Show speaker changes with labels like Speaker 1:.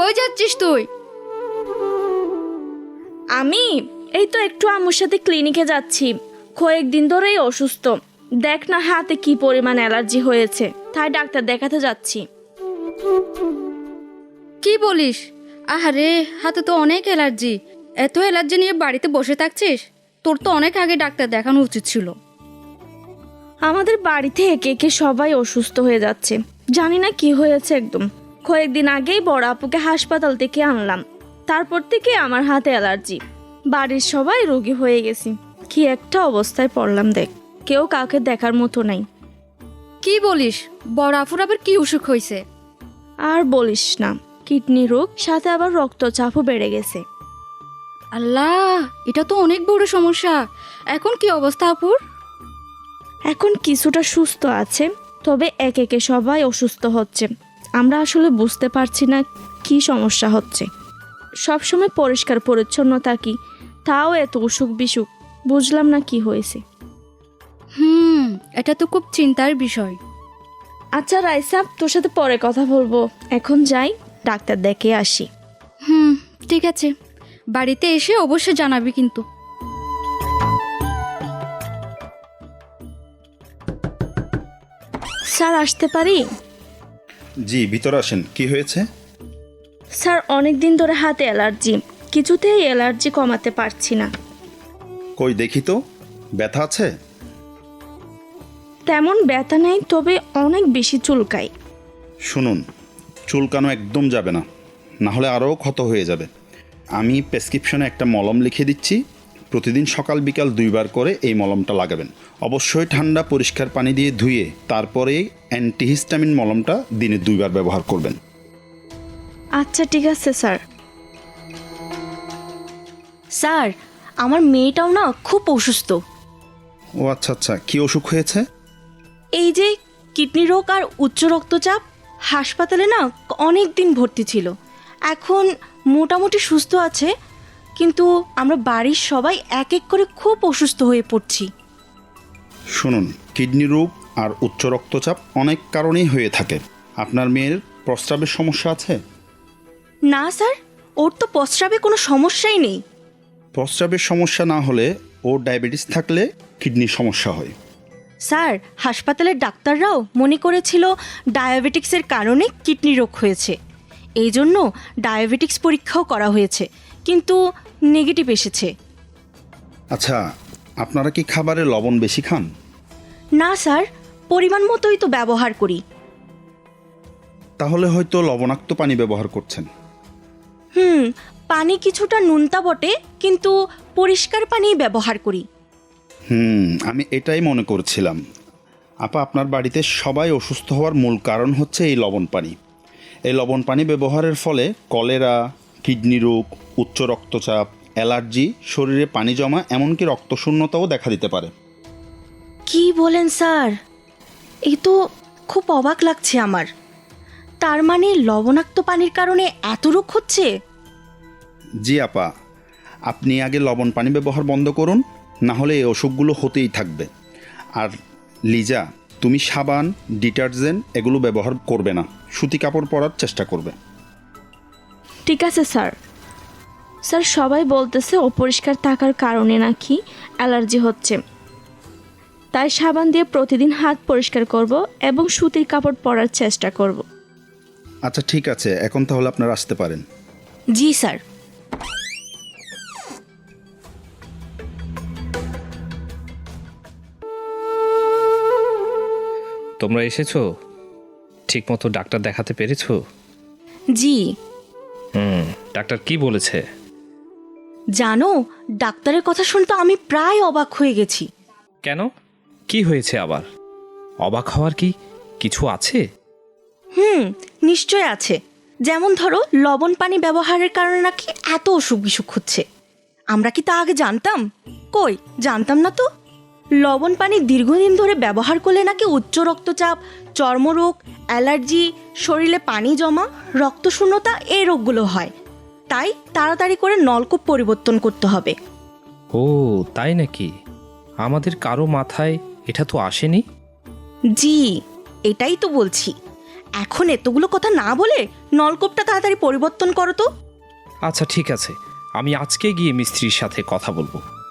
Speaker 1: কই যাচ্ছিস তুই?
Speaker 2: আমি এই তো একটু আম্মুর সাথে ক্লিনিকে যাচ্ছি। কয়েকদিন ধরেই অসুস্থ। দেখ না হাতে কি পরিমাণ অ্যালার্জি হয়েছে, তাই ডাক্তার দেখাতে যাচ্ছি।
Speaker 1: কি বলিস? আহারে, হাতে তো অনেক অ্যালার্জি। এত অ্যালার্জি নিয়ে বাড়িতে বসে থাকছিস? তোর তো অনেক আগে ডাক্তার দেখানো উচিত ছিল।
Speaker 2: আমাদের বাড়িতে একে একে সবাই অসুস্থ হয়ে যাচ্ছে, জানি না কি হয়েছে একদম। কয়েকদিন আগেই বড় আপুকে হাসপাতাল থেকে আনলাম, তারপর থেকে আমার হাতে অ্যালার্জি। বাড়ির সবাই রোগী হয়ে গেছি। কি একটা অবস্থায় পড়লাম দেখ, কেউ কাউকে দেখার মতো নাই।
Speaker 1: কি বলিস? বড় আফুর আবার কি অসুখ হয়েছে?
Speaker 2: আর বলিস না, কিডনি রোগ, সাথে আবার রক্তচাপও বেড়ে গেছে।
Speaker 1: আল্লাহ, এটা তো অনেক বড় সমস্যা। এখন কি অবস্থা আপুর?
Speaker 2: এখন কিছুটা সুস্থ আছে, তবে একে একে সবাই অসুস্থ হচ্ছে। আমরা আসলে বুঝতে পারছি না কি সমস্যা হচ্ছে। সবসময় পরিষ্কার পরিচ্ছন্ন থাকি, তাও এত অসুখ বিসুখ। বুঝলাম না কি হয়েছে।
Speaker 1: এটা তো খুব চিন্তার বিষয়।
Speaker 2: আচ্ছা রাইসা, তোর সাথে পরে কথা বলবো। এখন যাই, ডাক্তার দেখে আসি।
Speaker 1: ঠিক আছে, বাড়িতে এসে অবশ্যই জানাবি কিন্তু।
Speaker 2: স্যার আসতে পারি?
Speaker 3: জি, ভিতরে আসেন। কি হয়েছে?
Speaker 2: স্যার অনেক দিন ধরে হাতে অ্যালার্জি, কিছুতেই অ্যালার্জি কমাতে পারছি না।
Speaker 3: কই দেখি তো, ব্যথা আছে?
Speaker 2: তেমন ব্যথা নেই, তবে অনেক বেশি চুলকায়।
Speaker 3: শুনুন, চুলকানো একদম যাবে না, না হলে আরও ক্ষত হয়ে যাবে। আমি প্রেসক্রিপশনে একটা মলম লিখে দিচ্ছি। প্রতিদিন সকাল বিকাল 2 বার করে এই মলমটা লাগাবেন। অবশ্যই ঠান্ডা পরিষ্কার পানি দিয়ে ধুয়ে তারপরে অ্যান্টিহিস্টামিন মলমটা দিনে 2 বার ব্যবহার করবেন।
Speaker 2: আচ্ছা ঠিক আছে স্যার।
Speaker 4: স্যার, আমার মেয়েটাও না খুব অসুস্থ।
Speaker 3: ও আচ্ছা আচ্ছা, কী অসুখ হয়েছে?
Speaker 4: এই যে কিডনি রোগ আর উচ্চ রক্তচাপ। হাসপাতালে না অনেক দিন ভর্তি ছিল, এখন মোটামুটি সুস্থ আছে, কিন্তু আমরা বাড়ির সবাই এক এক করে খুব অসুস্থ হয়ে পড়ছি।
Speaker 3: শুনুন, কিডনি রোগ আর উচ্চ রক্তচাপ অনেক কারণেই হয়ে থাকে। আপনার মেয়ের প্রস্রাবের সমস্যা আছে?
Speaker 4: না স্যার, ওর তো প্রস্রাবে কোনো সমস্যাই নেই।
Speaker 3: প্রস্রাবের সমস্যা না হলে ওর ডায়াবেটিস থাকলে কিডনির সমস্যা হয়।
Speaker 4: স্যার, হাসপাতালের ডাক্তাররাও মনে করেছিল ডায়াবেটিক্সের কারণে কিডনি রোগ হয়েছে। এই জন্য ডায়াবেটিক্স পরীক্ষাও করা হয়েছে, কিন্তু নেগেটিভ এসেছে।
Speaker 3: আচ্ছা, আপনারা কি খাবারে লবণ বেশি খান?
Speaker 4: না স্যার, পরিমাণ মতোই তো ব্যবহার করি।
Speaker 3: তাহলে হয়তো লবণাক্ত পানি ব্যবহার করছেন।
Speaker 4: পানি কিছুটা নুনতা বটে, কিন্তু পরিষ্কার পানি ব্যবহার করি।
Speaker 3: আমি এটাই মনে করছিলাম। আপা, আপনার বাড়িতে সবাই অসুস্থ হওয়ার মূল কারণ হচ্ছে এই লবণ পানি। এই লবণ পানি ব্যবহারের ফলে কলেরা, কিডনি রোগ, উচ্চ রক্তচাপ, অ্যালার্জি, শরীরে পানি জমা, এমনকি রক্তশূন্যতাও দেখা দিতে পারে।
Speaker 4: কি বলেন স্যার? এই তো খুব অবাক লাগছে আমার। তার মানে লবণাক্ত পানির কারণে এত রোগ হচ্ছে?
Speaker 3: জি আপা, আপনি আগে লবণ পানি ব্যবহার বন্ধ করুন, না হলে এই অসুখগুলো হতেই থাকবে। আর লিজা, তুমি সাবান, ডিটারজেন্ট এগুলো ব্যবহার করবে না, সুতি কাপড় পরার চেষ্টা করবে।
Speaker 2: ঠিক আছে স্যার। স্যার সবাই বলতেছে অপরিষ্কার থাকার কারণে নাকি অ্যালার্জি হচ্ছে, তাই সাবান দিয়ে প্রতিদিন হাত পরিষ্কার করব এবং সুতির কাপড় পরার চেষ্টা করব।
Speaker 3: আচ্ছা ঠিক আছে, এখন তাহলে আপনারা আসতে পারেন।
Speaker 4: জি স্যার।
Speaker 5: তোমরা এসেছো? ঠিকমতো ডাক্তার দেখাতে পেরেছো?
Speaker 4: জি।
Speaker 5: ডাক্তার কি বলেছে?
Speaker 4: জানো, ডাক্তারের কথা শুনতে আমি প্রায় অবাক হয়ে গেছি।
Speaker 5: কেন, কি হয়েছে আবার? অবাক হওয়ার কি কিছু আছে?
Speaker 4: নিশ্চয় আছে। যেমন ধরো, লবণ পানি ব্যবহারের কারণে নাকি এত অসুখ বিসুখ হচ্ছে। আমরা কি তা আগে জানতাম? কই, জানতাম না তো। লবণ পানি দীর্ঘদিন ধরে ব্যবহার করলে নাকি উচ্চ রক্তচাপ, চর্মরোগ, অ্যালার্জি, শরীরে পানি জমা, রক্তশূন্যতা এই রোগগুলো হয়। তাই তাড়াতাড়ি করে নলকূপ পরিবর্তন করতে হবে।
Speaker 5: ও তাই নাকি? আমাদের কারো মাথায় এটা তো আসেনি।
Speaker 4: জি, এটাই তো বলছি। এখন এতগুলো কথা না বলে নলকূপটা তাড়াতাড়ি পরিবর্তন করো তো।
Speaker 5: আচ্ছা ঠিক আছে, আমি আজকে গিয়ে মিস্ত্রির সাথে কথা বলবো।